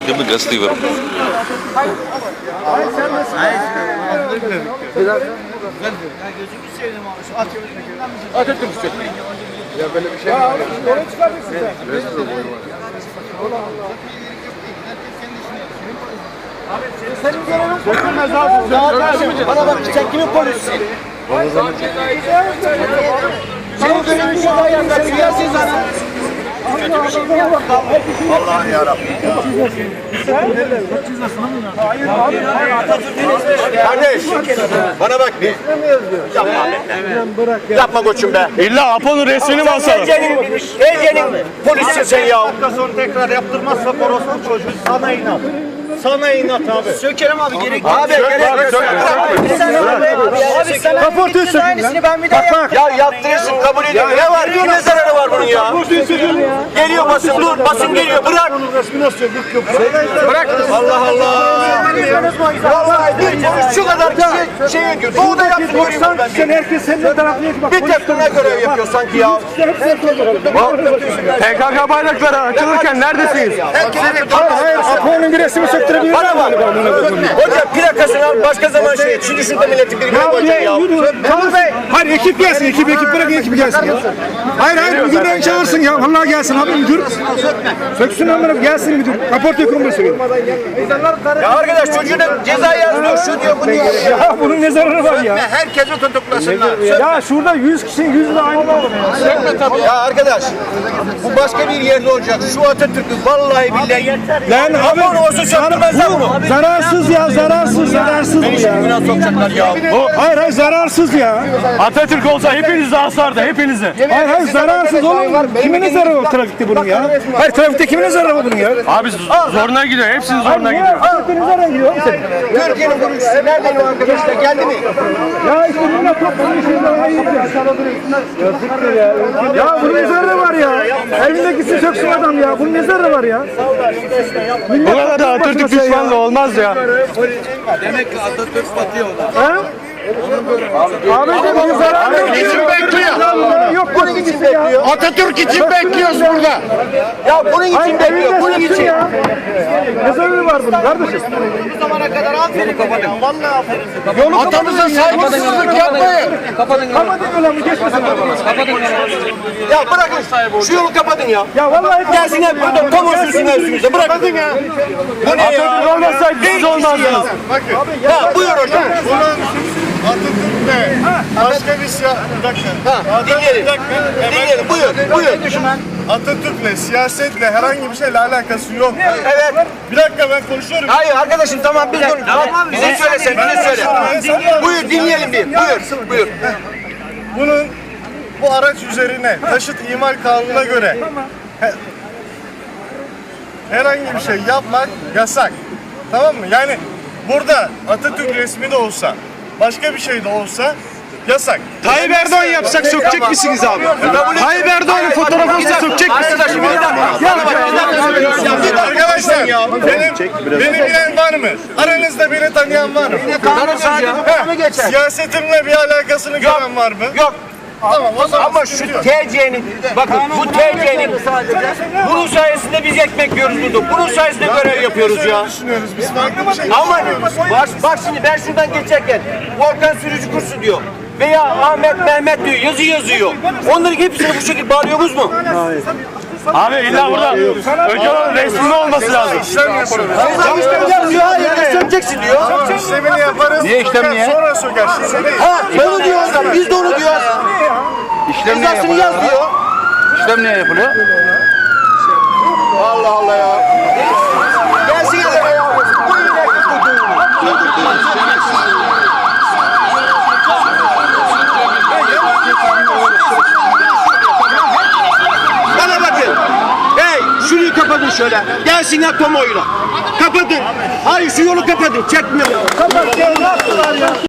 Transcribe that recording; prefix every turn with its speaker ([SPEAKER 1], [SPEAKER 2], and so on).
[SPEAKER 1] Bir gazeteyi verin.
[SPEAKER 2] Atatürk ya böyle bir şey mi var? Oraya çıkabilirsin sen. Senin görevin sökülmez abi. Bana bak sen kimin polisisin? Senin görevin şu ayağında siyasi zaten. Allah'ım yarabbim ya. Kardeş, bana bak bir. Yapma koçum be.
[SPEAKER 3] İlla Apo'nun resmini mi asalım?
[SPEAKER 2] TC'nin polisisin sen ya.
[SPEAKER 4] Sonra tekrar yaptırmazsa orospu çocuğu sana inat. Sana inat abi.
[SPEAKER 2] Sökerim abi gerek yok. Abi gerek yok.
[SPEAKER 4] Abi sen
[SPEAKER 2] Kaportu sökün
[SPEAKER 4] aynısını ben bir daha yaptım.
[SPEAKER 2] Ya yaptırırsın kabul ediyorum. Ne var? Ne zararı var bunun ya? Geliyor basın dur. Basın geliyor. Bırak. Bırak. Allah Allah. Vallahi bir şu kadar kişi şey ediyor. Doğuda yaptım görüyorum ben.
[SPEAKER 4] Sen herkes senin tarafına bak.
[SPEAKER 2] Bir tek buna görev yapıyor sanki ya.
[SPEAKER 3] PKK bayrakları açılırken neredesiniz?
[SPEAKER 4] Hayır, Apo'nun bir resmi söktürebilir miyim?
[SPEAKER 2] Bana bak. Hocam plakasını al başka zaman şey et. Şimdi şurada milletin birbirine koyacak ya.
[SPEAKER 4] Hayır ekip gelsin, ekip bırakın ekip gelsin ya. Hayır müdürden çağırsın ya. Vallahi gelsin abi müdür. Söksün amına gelsin müdür. Kaportayı kurması gibi.
[SPEAKER 2] Ya arkadaş çocuğuna ceza yazmıyor. Şu diyor bunu diyor.
[SPEAKER 4] Ya bunun ne zararı var ya?
[SPEAKER 2] Herkesi tutuklasınlar.
[SPEAKER 4] Ya şurada 100 kişinin 100 de aynı olur.
[SPEAKER 2] Ya arkadaş bu başka bir yerde olacak. Şu Atatürk'ü vallahi billahi.
[SPEAKER 4] Lan abi
[SPEAKER 2] Aman olsa söktürmezler bunu.
[SPEAKER 4] zararsız ya zararsız bu ya.
[SPEAKER 2] Günah sokacaklar ya.
[SPEAKER 4] Hayır zararsız ya.
[SPEAKER 3] Atatürk olsa hepinizi asardı, hepinizi.
[SPEAKER 4] Hayır zararsız oğlum. Kimin zararı var trafikte bunun ya? Hayır trafikte kimin zararı var bunun ya?
[SPEAKER 3] Abi zoruna gidiyor, hepsinin zoruna gidiyor.
[SPEAKER 4] Trafiktenin zararı gidiyor oğlum senin.
[SPEAKER 2] Türkiye'nin kurucusu nereden o arkadaşlar geldi mi?
[SPEAKER 4] Ya işte bununla toplanın şeyler ya bunun ne zararı var ya? Elindekisi söksün adam ya. Bunun ne zararı var ya?
[SPEAKER 3] Bu kadar da Atatürk düşmanlığı olmaz ya.
[SPEAKER 1] Demek ki Atatürk batıyor da.
[SPEAKER 4] Abi bunun zararı yok.
[SPEAKER 2] için bekliyor.
[SPEAKER 4] Yok bunun için bekliyor.
[SPEAKER 2] Atatürk için bekliyoruz burada. Ya bunun için bekliyor. Bunun için.
[SPEAKER 4] Ne zararı var bunun kardeşim?
[SPEAKER 2] Bu zamana kadar aferin kapatın. Vallahi aferin. Atamıza saygısızlık yapmayın.
[SPEAKER 4] Kapatın yolu geçmesin arabalar.
[SPEAKER 2] Ya bırakın. Şu yolu kapatın ya.
[SPEAKER 4] Ya vallahi
[SPEAKER 2] Gelsin hep burada tam olsunlar üstümüze. Bırakın ya. Bu ne ya?
[SPEAKER 3] Atatürk olmasaydı siz olmazdınız.
[SPEAKER 2] Ya buyur hocam.
[SPEAKER 5] Atatürk'le başka bir bir dakika.
[SPEAKER 2] Dinleyelim. Dinleyelim. Buyur.
[SPEAKER 5] Atatürk'le siyasetle herhangi bir şeyle alakası yok.
[SPEAKER 2] Evet.
[SPEAKER 5] Bir dakika ben konuşuyorum.
[SPEAKER 2] Hayır arkadaşım tamam biz konuş. Bize söyle sen. Bize söyle. Buyur dinleyelim bir. Buyur.
[SPEAKER 5] Bunun bu araç üzerine taşıt imal kanununa göre herhangi bir şey yapmak yasak. Tamam mı? Yani burada Atatürk resmi de olsa, başka bir şey de olsa yasak.
[SPEAKER 3] Tayyip Erdoğan yapsak sökecek misiniz abi? Tayyip Erdoğan'ın fotoğrafını sökecek misiniz?
[SPEAKER 2] Arkadaşım bir dakika.
[SPEAKER 5] Arkadaşlar beni bilen var mı? Aranızda beni tanıyan var mı? Siyasetimle bir alakasını gören var mı?
[SPEAKER 2] Yok.
[SPEAKER 5] Tamam o zaman
[SPEAKER 2] Ama şu TC'nin, bakın bu TC'nin, bunun sayesinde biz ekmek yiyoruz burada. Bunun sayesinde görev yapıyoruz ya.
[SPEAKER 5] düşünüyoruz. Biz farklı bir şey
[SPEAKER 2] Ama bak şimdi ben şuradan geçerken Volkan sürücü kursu diyor. Veya Ahmet Mehmet diyor, yazı yazıyor. Onların hepsini bu şekilde bağlıyoruz mu?
[SPEAKER 3] Abi illa burada önce onun resminin olması lazım.
[SPEAKER 5] İşlem yapıyoruz.
[SPEAKER 2] Yazıyor, hayır, sökeceksin diyor.
[SPEAKER 5] İşlemini yaparız.
[SPEAKER 3] Niye işlem niye?
[SPEAKER 5] Sonra söker. Şimdi değil.
[SPEAKER 2] Ha, onu diyor adam, biz de onu diyoruz.
[SPEAKER 3] İşlem niye
[SPEAKER 2] Cezasını
[SPEAKER 3] yapılıyor?
[SPEAKER 2] yaz diyor.
[SPEAKER 3] İşlem niye yapılıyor?
[SPEAKER 2] Allah Allah ya. Gelsin ya. Bu inek Bana bakın. Hey şurayı kapatın şöyle. Gelsinler kamuoyuna. Kapatın. Hayır şu yolu kapatın. Çekmiyor.
[SPEAKER 4] kapat ya.